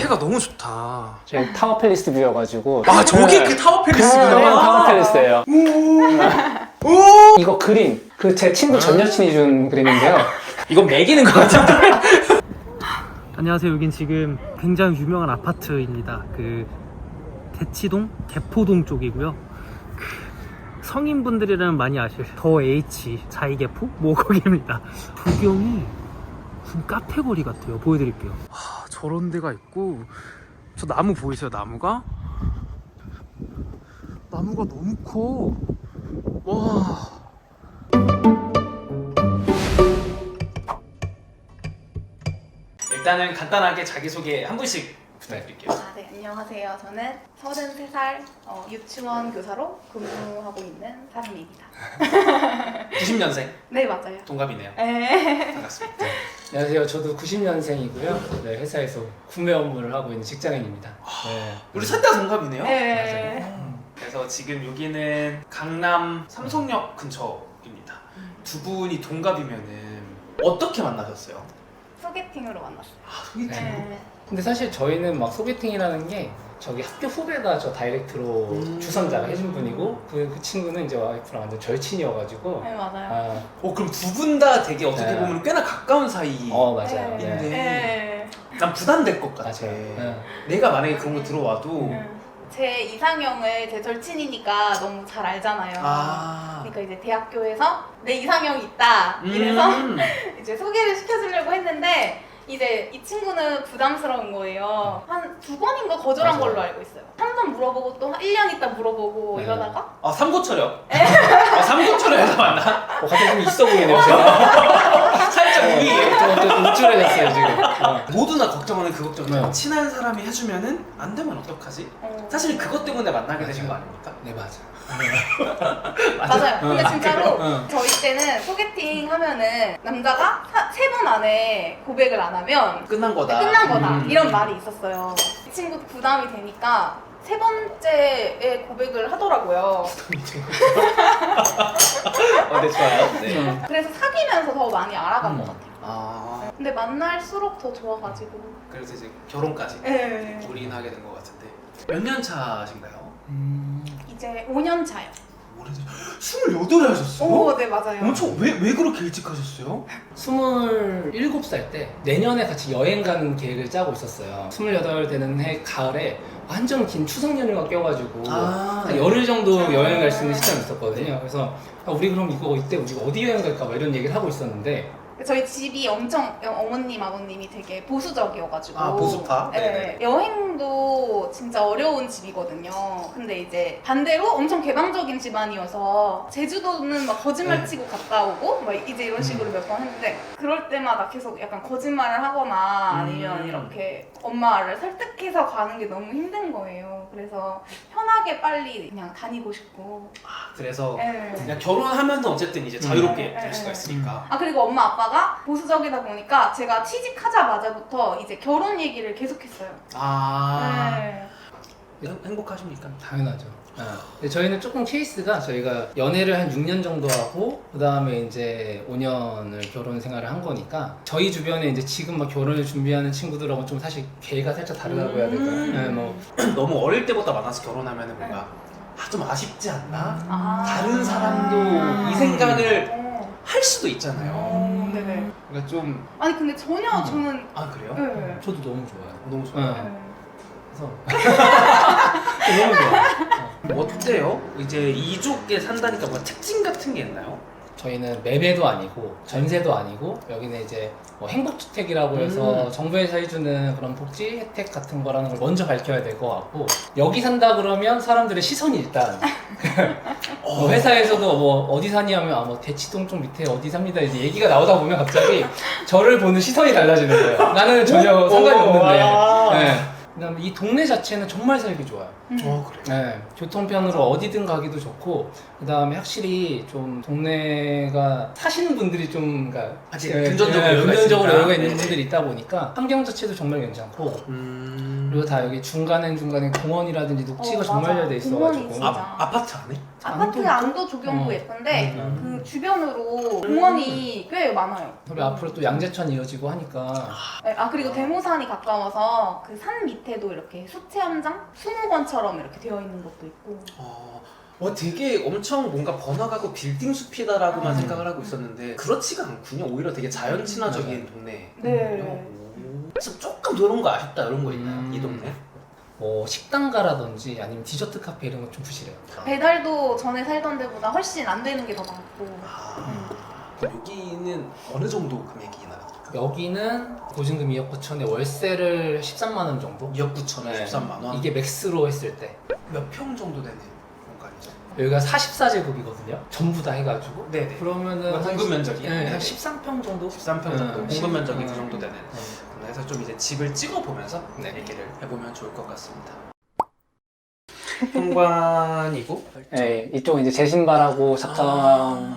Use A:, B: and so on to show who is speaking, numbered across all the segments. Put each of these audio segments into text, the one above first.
A: 앞에가 너무 좋다.
B: 저희 타워 팰리스 뷰여가지고.
A: 아 저게
B: 네.
A: 그 타워
B: 네,
A: 팰리스구나.
B: 타워 팰리스예요. 이거 그림 그 제 친구 전 여친이 준 그림인데요.
A: 이건 매기는 것 같은데.
C: 안녕하세요. 여긴 지금 굉장히 유명한 아파트입니다. 그 대치동, 개포동 쪽이고요. 그 성인분들이라면 많이 아실 더 H 자이개포 뭐 거기입니다. 구경이 무슨 카페거리 같아요. 보여드릴게요. 아, 저런 데가 있고 저 나무 보이세요? 나무가 너무 커. 와.
A: 일단은 간단하게 자기소개 한 분씩 부탁드릴게요.
D: 네, 안녕하세요. 저는 33살 유치원 교사로 근무하고 있는 사람입니다.
A: 90년생
D: 네, 맞아요.
A: 동갑이네요.
D: 네.
A: 반갑습니다.
B: 안녕하세요. 저도 90년생이고요. 네, 회사에서 구매 업무를 하고 있는 직장인입니다. 네.
A: 우리 셋 다 동갑이네요.
D: 네.
A: 그래서 지금 여기는 강남 삼성역 근처입니다. 두 분이 동갑이면은 어떻게 만나셨어요?
D: 소개팅으로 만났어요.
A: 아, 소개팅.
D: 네.
B: 근데 사실 저희는 막 소개팅이라는 게 저기 학교 후배가 저 다이렉트로 주선자가 해준 분이고 그 친구는 이제 와이프랑 완전 절친이어가지고
D: 네, 맞아요.
A: 그럼 두 분 다 되게 어떻게
B: 네.
A: 보면 꽤나 가까운 사이.
B: 맞아요.
D: 네.
B: 네.
D: 네.
A: 난 부담될 것 같아.
B: 맞아요. 네.
A: 내가 만약에 그런 거 들어와도
D: 제 이상형을 제 절친이니까 너무 잘 알잖아요.
A: 아.
D: 그러니까 이제 대학교에서 내 이상형이 있다 이래서 이제 소개를 시켜주려고 했는데 이제 이 친구는 부담스러운 거예요. 한 2번인가 거절한
B: 맞아요.
D: 걸로 알고 있어요. 한 번 물어보고 또 1년 있다 물어보고
B: 네.
D: 이러다가
A: 아 삼고철역. 아 삼고철역에서 만나?
B: 갑자기 좀 있어 보이네요. 제가.
A: 살짝 우리
B: 좀 우쭐해졌어요 지금.
A: 모두나 걱정하는 그 걱정이죠.
B: 네.
A: 친한 사람이 해주면은 안 되면 어떡하지? 사실 그것 때문에 만나게 되신 거 아닙니까?
B: 네 맞아.
D: 맞아요. 근데 진짜로
B: 그래요?
D: 저희 때는 소개팅 하면은 남자가 3번 안에 고백을 안 하면
A: 끝난 거다.
D: 끝난 거다 이런 말이 있었어요. 이 친구도 부담이 되니까 3번째에 고백을 하더라고요.
A: 네 좋아요. 네.
D: 그래서 사귀면서 더 많이 알아간 것 같아요.
A: 아
D: 근데 만날수록 더 좋아가지고.
A: 그래서 이제 결혼까지
D: 네.
A: 올인하게 된 것 같은데 몇 년 차신가요?
D: 이제 5년 차요.
A: 오래전 28에 하셨어요?
D: 오, 네 맞아요.
A: 엄청 왜 그렇게 일찍 하셨어요?
B: 27살 때 내년에 같이 여행 가는 계획을 짜고 있었어요. 28 되는 해 가을에 완전 긴 추석 연휴가 껴가지고 한 열흘 정도 여행 갈 수 있는 시점이 있었거든요. 그래서 우리 그럼 이때 우리가 어디 여행 갈까 막 이런 얘기를 하고 있었는데
D: 저희 집이 엄청 어머님 아버님이 되게 보수적이어가지고
A: 아, 보수파?
D: 네.
A: 네네.
D: 여행도 진짜 어려운 집이거든요. 근데 이제 반대로 엄청 개방적인 집안이어서 제주도는 막 거짓말 치고 갔다 오고 막 이제 이런 식으로 몇 번 했는데 그럴 때마다 계속 약간 거짓말을 하거나 아니면 이렇게 엄마를 설득해서 가는 게 너무 힘든 거예요. 그래서 편하게 빨리 그냥 다니고 싶고.
A: 아 그래서
D: 네.
A: 그냥 결혼하면 어쨌든 이제 자유롭게 될 수가
D: 네.
A: 있으니까.
D: 아 그리고 엄마 아빠가 보수적이다 보니까 제가 취직하자마자부터 이제 결혼 얘기를 계속했어요.
A: 아
D: 네.
A: 행복하십니까?
B: 당연하죠. 근데 저희는 조금 케이스가 저희가 연애를 한 6년 정도 하고 그 다음에 이제 5년을 결혼 생활을 한 거니까 저희 주변에 이제 지금 막 결혼을 준비하는 친구들하고 좀 사실 계가 살짝 다르다고 해야 될까요? 네, 뭐
A: 너무 어릴 때부터 만나서 결혼하면은 뭔가 좀 아쉽지 않나?
D: 아.
A: 다른 사람도 이 생각을 할 수도 있잖아요.
D: 네네.
A: 그러니까 좀
D: 아니 근데 전혀 저는
A: 아 그래요?
D: 네.
B: 저도 너무 좋아요.
A: 너무 좋아요.
B: 네.
D: 네.
B: 그래서 너무 좋아요.
A: 어때요? 이제 이쪽에 산다니까 뭐 특징 같은 게 있나요?
B: 저희는 매매도 아니고 전세도 아니고 여기는 이제 뭐 행복주택이라고 해서 정부에서 해주는 그런 복지 혜택 같은 거라는 걸 먼저 밝혀야 될 것 같고 여기 산다 그러면 사람들의 시선이 일단 뭐 회사에서도 뭐 어디 사니 하면 뭐 대치동 쪽 밑에 어디 삽니다 이제 얘기가 나오다 보면 갑자기 저를 보는 시선이 달라지는 거예요. 나는 전혀 상관이 없는데 네. 그다음에 이 동네 자체는 정말 살기 좋아요.
A: 그래.
B: 네, 교통편으로 어디든 가기도 좋고, 그 다음에 확실히 좀 동네가 사시는 분들이 좀, 그러니까
A: 아직 금전적으로 여유가
B: 금전적으로
A: 있으니까.
B: 여유가 있는
A: 네네.
B: 분들이 있다 보니까 환경 자체도 정말 괜찮고, 그리고 다 여기 중간에 공원이라든지 녹지가 정말 잘 돼
D: 공원이
B: 있어가지고.
D: 진짜.
A: 아파트 안에?
D: 아파트 안도 조경도 예쁜데 그 주변으로 공원이 꽤 많아요.
B: 그리고 앞으로 또 양재천 이어지고 하니까.
D: 네, 그리고 대모산이 가까워서 그 산 밑에도 이렇게 수체험장, 수목원처럼 이렇게 되어 있는 것도 있고.
A: 와 되게 엄청 뭔가 번화가고 빌딩 숲이다라고만 생각을 하고 있었는데 그렇지가 않군요. 오히려 되게 자연 친화적인 동네.
D: 네.
A: 조금 그런 거 아쉽다 이런 거 있나요? 이 동네?
B: 뭐 식당가라든지 아니면 디저트 카페 이런 거 좀 부실해요.
D: 배달도 전에 살던 데보다 훨씬 안 되는 게 더 많고.
A: 그럼 여기는 어느 정도 금액이 나요?
B: 여기는 보증금 2억 9천에 월세를 13만 원 정도?
A: 2억 9천에
B: 네.
A: 13만 원?
B: 이게 맥스로 했을 때.
A: 몇 평 정도 되는 공간이죠?
B: 여기가 44제곱이거든요. 전부 다 해가지고.
A: 네네.
B: 그러면은
A: 공급 면적이?
B: 네,
A: 네네.
B: 한 13평 정도?
A: 13평 정도 공급 면적이 그 정도 되는
B: 네.
A: 그래서 좀 이제 집을 찍어보면서
B: 네.
A: 얘기를 해보면 좋을 것 같습니다. 현관이고
B: 네, 이쪽은 이제 제 신발하고 작정.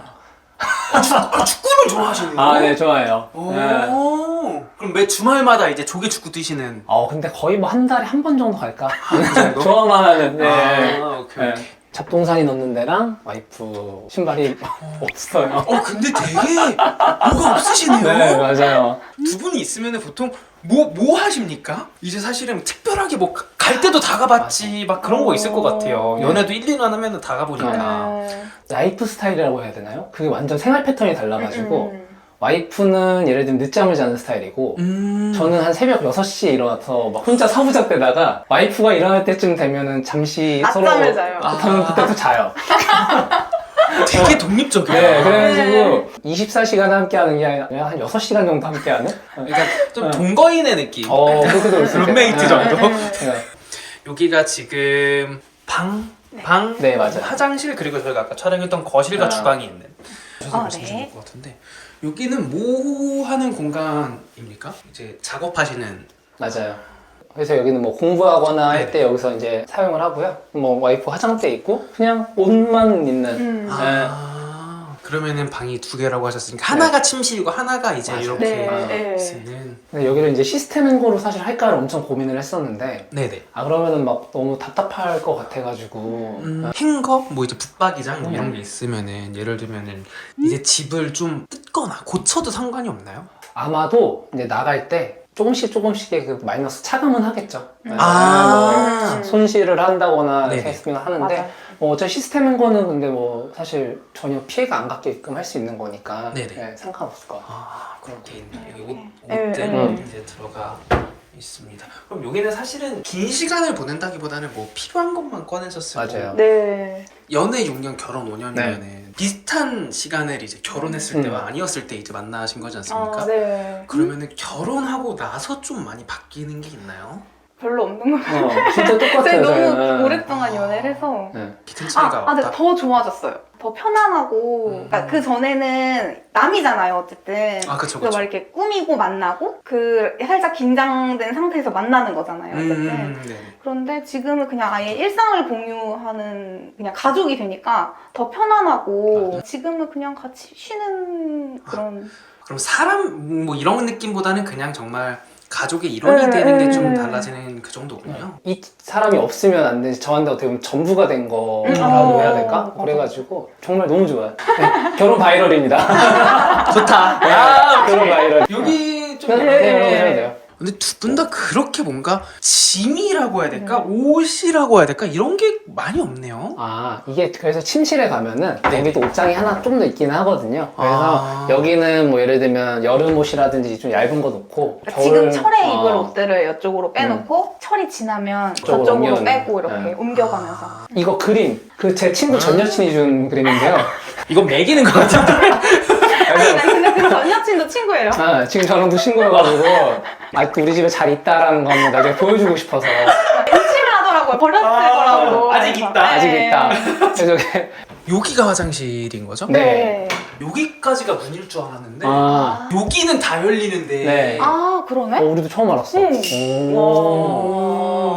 A: 축구를 좋아하시네요.
B: 아, 네, 좋아해요.
A: 오,
B: 네.
A: 그럼 매 주말마다 이제 조기 축구 뛰시는
B: 근데 거의 뭐 한 달에 한 번 정도 갈까?
A: 정도?
B: 좋아만 하는데.
A: 오케이.
B: 네. 잡동사니 넣는 데랑 와이프 신발이 없어요.
A: 근데 되게 뭐가 없으시네요.
B: 네, 맞아요.
A: 두 분이 있으면 보통 뭐 하십니까? 이제 사실은 특별하게 뭐 갈 때도 다 가봤지 막 그런 거 있을 것 같아요. 연애도 1, 2년 하면 다 가보니까.
B: 라이프 스타일이라고 해야 되나요? 그게 완전 생활 패턴이 달라가지고 와이프는 예를 들면 늦잠을 자는 스타일이고 저는 한 새벽 6시에 일어나서 막 혼자 서부작 되다가 와이프가 일어날 때쯤 되면은 잠시 서로
D: 낮잠을 자요.
B: 그러면 그때 또 자요.
A: 되게 독립적이에요.
B: 네, 그래가지고 24시간 함께 하는 게 아니라 그냥 한 6시간 정도 함께 하는?
A: 그러니까 좀 동거인의 느낌.
B: 그렇게도 올 수 있겠다.
A: 룸메이트 정도.
B: 네.
A: 여기가 지금 방,
B: 네, 맞아요.
A: 화장실 그리고 저희가 아까 촬영했던 거실과 주방이 있는 말씀 주실
D: 네.
A: 것 같은데 여기는 뭐 하는 공간입니까? 이제 작업하시는
B: 맞아요. 그래서 여기는 뭐 공부하거나
A: 네네.
B: 할 때 여기서 이제 사용을 하고요. 뭐 와이프 화장대 있고 그냥 옷만 있는.
A: 그러면은 방이 2개라고 하셨으니까 하나가 침실이고 하나가 이제
B: 맞아요.
A: 이렇게
D: 네.
A: 쓰는
B: 근데 여기를 이제 시스템 행거로 사실 할까를 엄청 고민을 했었는데
A: 네네.
B: 그러면은 막 너무 답답할 것 같아가지고
A: 행거 뭐 이제 붙박이장 뭐 이런 게 있으면은 예를 들면은 이제 집을 좀 뜯거나 고쳐도 상관이 없나요?
B: 아마도 이제 나갈 때 조금씩의 그 마이너스 차감은 하겠죠.
A: 아.
B: 뭐 손실을 한다거나
A: 네네.
B: 이렇게 했으면 하는데
D: 맞아요.
B: 어차피 시스템 행거는 근데 뭐 사실 전혀 피해가 안 갖게끔 할 수 있는 거니까
A: 네네.
B: 네, 상관없을 것 같아요.
A: 그렇게 있네. 여기
D: 네.
A: 옷들
B: 네.
A: 이제 들어가 있습니다. 그럼 여기는 사실은 긴 시간을 보낸다기보다는 뭐 필요한 것만 꺼내서 쓰고
B: 맞아요.
D: 네.
A: 연애 6년 결혼 5년이면은 비슷한 시간을 이제 결혼했을 때와 아니었을 때 이제 만나신 거지 않습니까?
D: 네.
A: 그러면은 결혼하고 나서 좀 많이 바뀌는 게 있나요?
D: 별로 없는 것 같아요.
B: 진짜
D: 제가
B: 똑같아요.
D: 너무
B: 저희는.
D: 오랫동안 연애를 해서
A: 큰 차이가
D: 근데
A: 없다.
D: 더 좋아졌어요. 더 편안하고 그러니까 그 전에는 남이잖아요 어쨌든.
A: 그쵸
D: 그래서 막 이렇게 꾸미고 만나고 그 살짝 긴장된 상태에서 만나는 거잖아요 어쨌든.
A: 네.
D: 그런데 지금은 그냥 아예 일상을 공유하는 그냥 가족이 되니까 더 편안하고 지금은 그냥 같이 쉬는 그런
A: 그럼 사람 뭐 이런 느낌보다는 그냥 정말 가족의 일원이 되는 게 좀 달라지는 그 정도군요.
B: 이 사람이 없으면 안 되지 저한테 어떻게 보면 전부가 된 거라고 해야 될까? 그래가지고 정말 너무 좋아요. 네, 결혼 바이럴입니다.
A: 좋다.
B: 결혼 바이럴.
A: 여기 좀
B: 네, 해야 돼요.
A: 근데 두 분 다 그렇게 뭔가 짐이라고 해야 될까? 옷이라고 해야 될까? 이런 게 많이 없네요.
B: 이게 그래서 침실에 가면은 여기도 옷장이 하나 좀 더 있긴 하거든요. 그래서 여기는 뭐 예를 들면 여름 옷이라든지 좀 얇은 거 놓고
D: 지금 철에 입을 옷들을 이쪽으로 빼놓고 철이 지나면
B: 저쪽으로
D: 저쪽으로
B: 옮겨놓는.
D: 빼고 이렇게
B: 네.
D: 옮겨가면서
B: 이거 그림 그 제 친구 전 여친이 준 그림인데요.
A: 이건 매기는 것 같은데.
D: 근데 그 전 여친도 친구예요.
B: 지금 저랑도 친구여가지고 아직도 우리 집에 잘 있다라는 거 한번 나중에 보여주고 싶어서
D: 의심을 하더라고요. 버렸을 거라고.
A: 아직
D: 그래서.
A: 있다.
B: 아직
D: 네.
B: 있다. 그래서
A: 여기가 화장실인 거죠?
B: 네.
A: 여기까지가 문일 줄 알았는데 여기는 다 열리는데
B: 네.
D: 그러네?
B: 우리도 처음 알았어.
D: 응.
B: 오.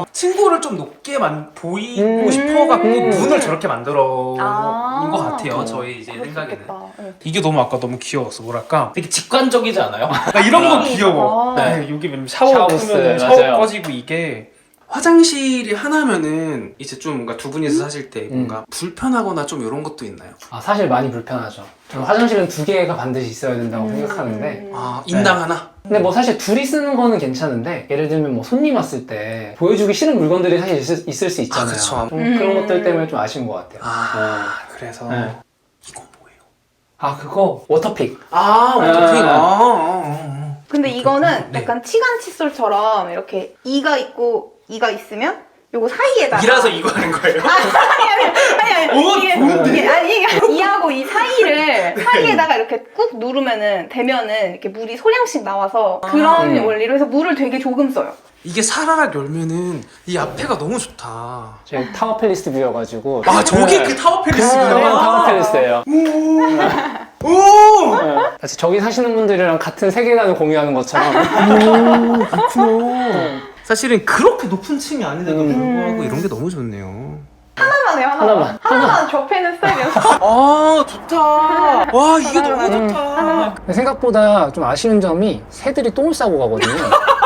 A: 좀 높게 보이고 싶어갖고 문을 저렇게 만들어 온 것 같아요. 저희 이제 생각에는. 이게 너무 아까 너무 귀여웠어. 뭐랄까
B: 되게 직관적이지 않아요?
A: 나 이런 거 귀여워.
D: 아.
A: 네, 여기 보면 샤워
B: 샤워부스,
A: 끄면
B: 맞아요.
A: 샤워 꺼지고 이게 화장실이 하나면은 이제 좀 뭔가 두 분이서 사실 때 뭔가 불편하거나 좀 이런 것도 있나요?
E: 아, 사실 많이 불편하죠. 저는 화장실은 2개가 반드시 있어야 된다고 생각하는데
A: 아 인당 하나?
E: 근데 뭐 사실 둘이 쓰는 거는 괜찮은데 예를 들면 뭐 손님 왔을 때 보여주기 싫은 물건들이 사실 있을 수 있잖아요.
A: 그쵸.
E: 그런 것들 때문에 좀 아쉬운 것 같아요.
A: 그래서
E: 네.
A: 이거 뭐예요?
E: 아, 그거 워터픽.
A: 워터핑.
D: 근데 이거는
A: 네.
D: 약간 치간 칫솔처럼 이렇게 이가 있고 이가 있으면 요거 사이에다가
A: 이라서 이거 하는 거예요?
D: 아니
A: 오, 좋은데?
D: 이게 이하고 이 사이에다가 이렇게 꾹 누르면은 되면은 이렇게 물이 소량씩 나와서 그런 원리로 해서 물을 되게 조금 써요.
A: 이게 사라락 열면은 이 앞에가 너무 좋다.
E: 저희 타워 팰리스 뷰여가지고.
A: 아 저게 그 타워 팰리스구나.
E: 타워 팰리스예요.
A: 오!
E: 사실 저기 사시는 분들이랑 같은 세계관을 공유하는 것처럼.
A: 그렇구나. 사실은 그렇게 높은 층이 아닌데도 불구하고 이런 게 너무 좋네요.
D: 하나만 해요, 하나만 접해는 스타일이어서.
A: 아 좋다. 와 이게 너무 좋다.
E: 생각보다 좀 아쉬운 점이 새들이 똥을 싸고 가거든요.